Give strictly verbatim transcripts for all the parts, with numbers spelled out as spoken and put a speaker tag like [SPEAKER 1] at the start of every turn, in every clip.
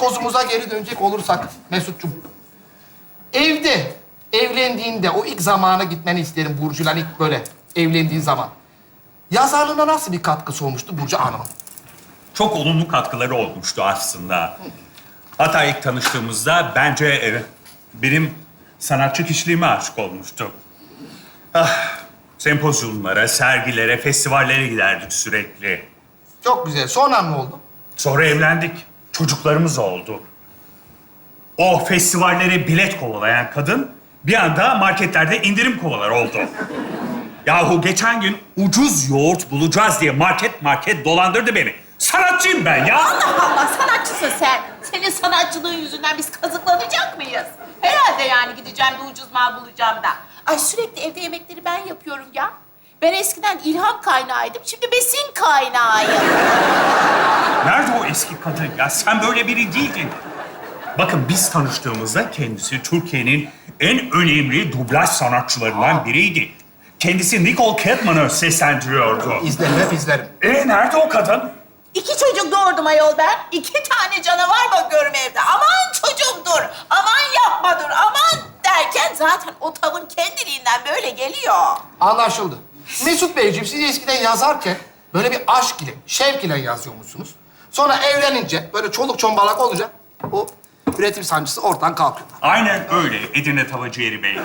[SPEAKER 1] kozumuza geri dönecek olursak Mesut'cum. Evde, evlendiğinde o ilk zamana gitmeni isterim Burcu'yla ilk böyle evlendiğin zaman. Yazarlığına nasıl bir katkısı olmuştu Burcu Hanım'ın?
[SPEAKER 2] Çok olumlu katkıları olmuştu aslında. Hatta ilk tanıştığımızda bence e, benim sanatçı kişiliğime aşık olmuştu. Ah, sempozyumlara, sergilere, festivallere giderdik sürekli.
[SPEAKER 1] Çok güzel. Sonra ne oldu?
[SPEAKER 2] Sonra evlendik. Çocuklarımız oldu. O festivallere bilet kovalayan kadın bir anda marketlerde indirim kovalar oldu. Yahu geçen gün ucuz yoğurt bulacağız diye market market dolandırdı beni. Sanatçıyım ben ya.
[SPEAKER 3] Allah Allah, sanatçısın sen. Senin sanatçılığın yüzünden biz kazıklanacak mıyız? Herhalde yani gideceğim de ucuz mal bulacağım da. Ay sürekli evde yemekleri ben yapıyorum ya. Ben eskiden ilham kaynağıydım, şimdi besin kaynağıyım.
[SPEAKER 2] Nerede o eski kadın ya? Sen böyle biri değildin. Bakın biz tanıştığımızda kendisi Türkiye'nin en önemli dublaj sanatçılarından biriydi. Kendisi Nicole Kidman'ı seslendiriyordu.
[SPEAKER 1] İzlerim, hep izlerim.
[SPEAKER 2] E nerede o kadın?
[SPEAKER 3] İki çocuk doğurdum ayol ben. İki tane canavar bakıyorum evde. Aman çocuğum dur, aman yapma dur, aman derken zaten o tavır kendiliğinden böyle geliyor.
[SPEAKER 1] Anlaşıldı. Mesut Beyciğim, siz eskiden yazarken böyle bir aşk ile, şevk ile yazıyormuşsunuz. Sonra evlenince, böyle çoluk çombalak olunca o üretim sancısı ortadan kalkıyor.
[SPEAKER 2] Aynen öyle Edirne Tavacıeri Bey.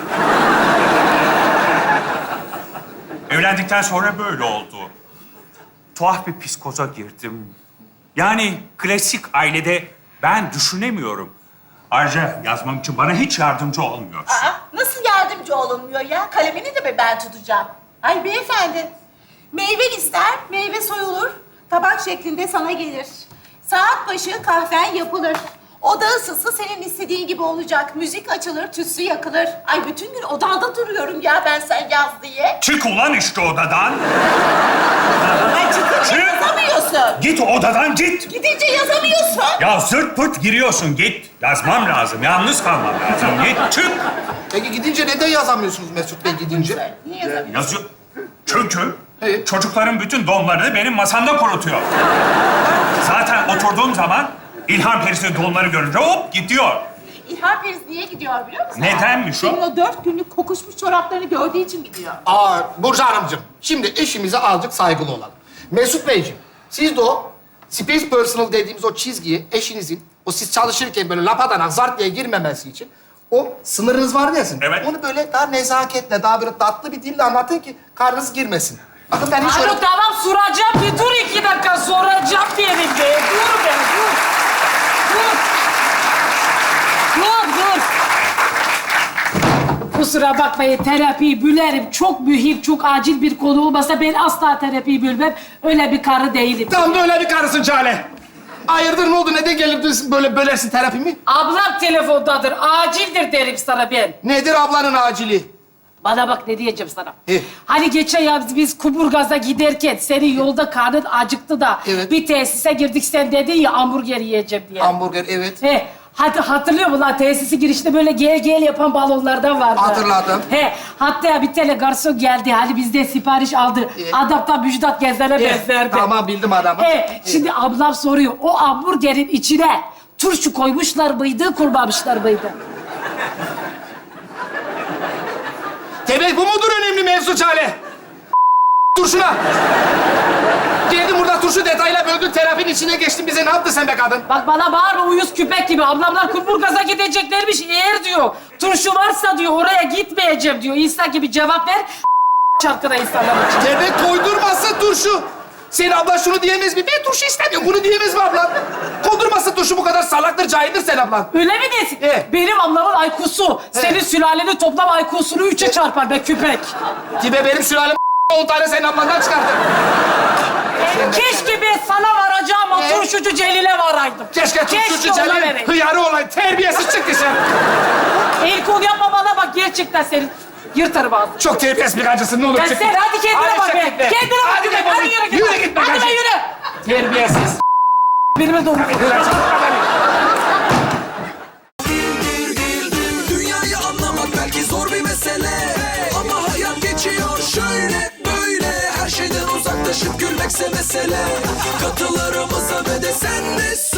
[SPEAKER 2] Evlendikten sonra böyle oldu. Tuhaf bir psikoza girdim. Yani klasik ailede ben düşünemiyorum. Ayrıca yazmam için bana hiç yardımcı olmuyor.
[SPEAKER 3] Aa, nasıl yardımcı olunmuyor ya? Kalemini de mi ben tutacağım? Ay beyefendi, meyve ister, meyve soyulur, tabak şeklinde sana gelir. Saat başı kahven yapılır. Oda ısısı senin istediğin gibi olacak. Müzik açılır, tütsü yakılır. Ay bütün gün odanda duruyorum ya ben sen yaz diye.
[SPEAKER 2] Çık ulan işte odadan.
[SPEAKER 3] Ay çıkınca
[SPEAKER 2] Çık.
[SPEAKER 3] yazamıyorsun.
[SPEAKER 2] Git odadan git.
[SPEAKER 3] Gidince yazamıyorsun.
[SPEAKER 2] Ya zırt pırt giriyorsun git. Yazmam lazım, yalnız kalmam lazım. Git çık.
[SPEAKER 1] Peki gidince neden yazamıyorsunuz Mesut Bey gidince?
[SPEAKER 3] Niye yazamıyorsun?
[SPEAKER 2] Yazıyor. Çünkü
[SPEAKER 1] Evet.
[SPEAKER 2] çocukların bütün donlarını benim masamda kurutuyor. Zaten oturduğum zaman İlhan Perisi donları görünce hop gidiyor.
[SPEAKER 3] İlhan Periz niye gidiyor biliyor musun?
[SPEAKER 2] Nedenmiş o?
[SPEAKER 3] Senin o dört günlük kokuşmuş çoraplarını gördüğü için gidiyor.
[SPEAKER 1] Aa, Burcu Hanımcığım, şimdi eşimize azıcık saygılı olalım. Mesut Beyciğim, siz de o space personal dediğimiz o çizgiyi eşinizin, o siz çalışırken böyle lapadan zart diye girmemesi için o sınırınız var ya sizin.
[SPEAKER 2] Evet.
[SPEAKER 1] Onu böyle daha nezaketle, daha böyle tatlı bir dille anlatın ki karnınız girmesin. Bakın ben hiç öyle...
[SPEAKER 4] Haluk tamam soracağım bir dur iki dakika soracağım diyelim be. Dur be dur. Dur. Dur dur. Kusura bakmayın terapiyi bülerim. Çok mühim, çok acil bir konu olmasa ben asla terapiyi bölmem. Öyle bir karı değilim.
[SPEAKER 1] Tam da öyle bir karısın Çale. Hayırdır ne oldu? Neden gelip böyle bölersin terapimi?
[SPEAKER 4] Ablam telefondadır. Acildir derim sana ben.
[SPEAKER 1] Nedir ablanın acili?
[SPEAKER 4] Bana bak ne diyeceğim sana.
[SPEAKER 1] He.
[SPEAKER 4] Hani geçen yaz biz Kuburgaz'a giderken senin yolda karnın acıktı da
[SPEAKER 1] Evet.
[SPEAKER 4] bir tesise girdik sen dedin ya hamburger yiyeceğim diye.
[SPEAKER 1] Hamburger, evet.
[SPEAKER 4] He, hadi hatırlıyor musun lan tesisi girişte böyle gel gel yapan balonlardan vardı.
[SPEAKER 1] Hatırladım.
[SPEAKER 4] He, hatta bir tane garson geldi hani bizden sipariş aldı.
[SPEAKER 1] Evet.
[SPEAKER 4] Adaptan Müjdat Gezen'e
[SPEAKER 1] Evet,
[SPEAKER 4] benzerdi.
[SPEAKER 1] tamam, bildim adamı.
[SPEAKER 4] He, şimdi ablam soruyor o hamburgerin içine turşu koymuşlar mıydı, koymamışlar mıydı?
[SPEAKER 1] Demek bu mudur önemli mevzu Çale? Turşuna. Geldin burada turşu detayla böldün, terapinin içine geçtin. Bize ne yaptın sen be kadın?
[SPEAKER 4] Bak bana bağırma uyuz küpek gibi. Ablamlar Kuburgaz'a gideceklermiş. Eğer diyor turşu varsa diyor oraya gitmeyeceğim diyor. İnsan gibi cevap ver. Çarkıda insanlar için.
[SPEAKER 1] Demek koydurmasın turşu. Senin ablan şunu diyemez mi? Ben turşu istemiyorum. Bunu diyemez mi ablan? Koydurmasın turşu, bu kadar salaktır, cahildir sen ablan.
[SPEAKER 4] Öyle mi desin?
[SPEAKER 1] Evet.
[SPEAKER 4] Benim ablamın I Q'su senin sülalenin toplam I Q'sunu üçe çarpar be küpek.
[SPEAKER 1] Tibe benim sülalem on tane senin ablandan çıkardı.
[SPEAKER 4] Keşke ben sana varacağım o
[SPEAKER 1] Evet.
[SPEAKER 4] turşucu Celil'e varaydım.
[SPEAKER 1] Keşke turşucu
[SPEAKER 4] ona
[SPEAKER 1] Celil
[SPEAKER 4] vereyim.
[SPEAKER 1] hıyarı olan terbiyesiz çıktı sen.
[SPEAKER 4] El kol yapma bana bak gerçekten seni yırtarım ağzını.
[SPEAKER 1] Çok terbiyesiz bir kancısın, ne olur
[SPEAKER 4] Ya
[SPEAKER 1] çık.
[SPEAKER 4] sen hadi kendine
[SPEAKER 1] Hadi
[SPEAKER 4] bak
[SPEAKER 1] çık
[SPEAKER 4] be.
[SPEAKER 1] git be.
[SPEAKER 4] Kendine bak.
[SPEAKER 1] Hadi
[SPEAKER 4] be.
[SPEAKER 1] defol
[SPEAKER 4] Hadi
[SPEAKER 1] git.
[SPEAKER 4] yürü git.
[SPEAKER 1] Yürü git be
[SPEAKER 4] Hadi be
[SPEAKER 1] kancı.
[SPEAKER 4] yürü.
[SPEAKER 1] Terbiyesiz.
[SPEAKER 4] Benimle doğru.
[SPEAKER 5] Dünyayı anlamak belki zor bir mesele, ama hayat geçiyor şöyle böyle. Her şeyden uzaklaşıp gülmekse mesele. Katılarımıza ve de sen de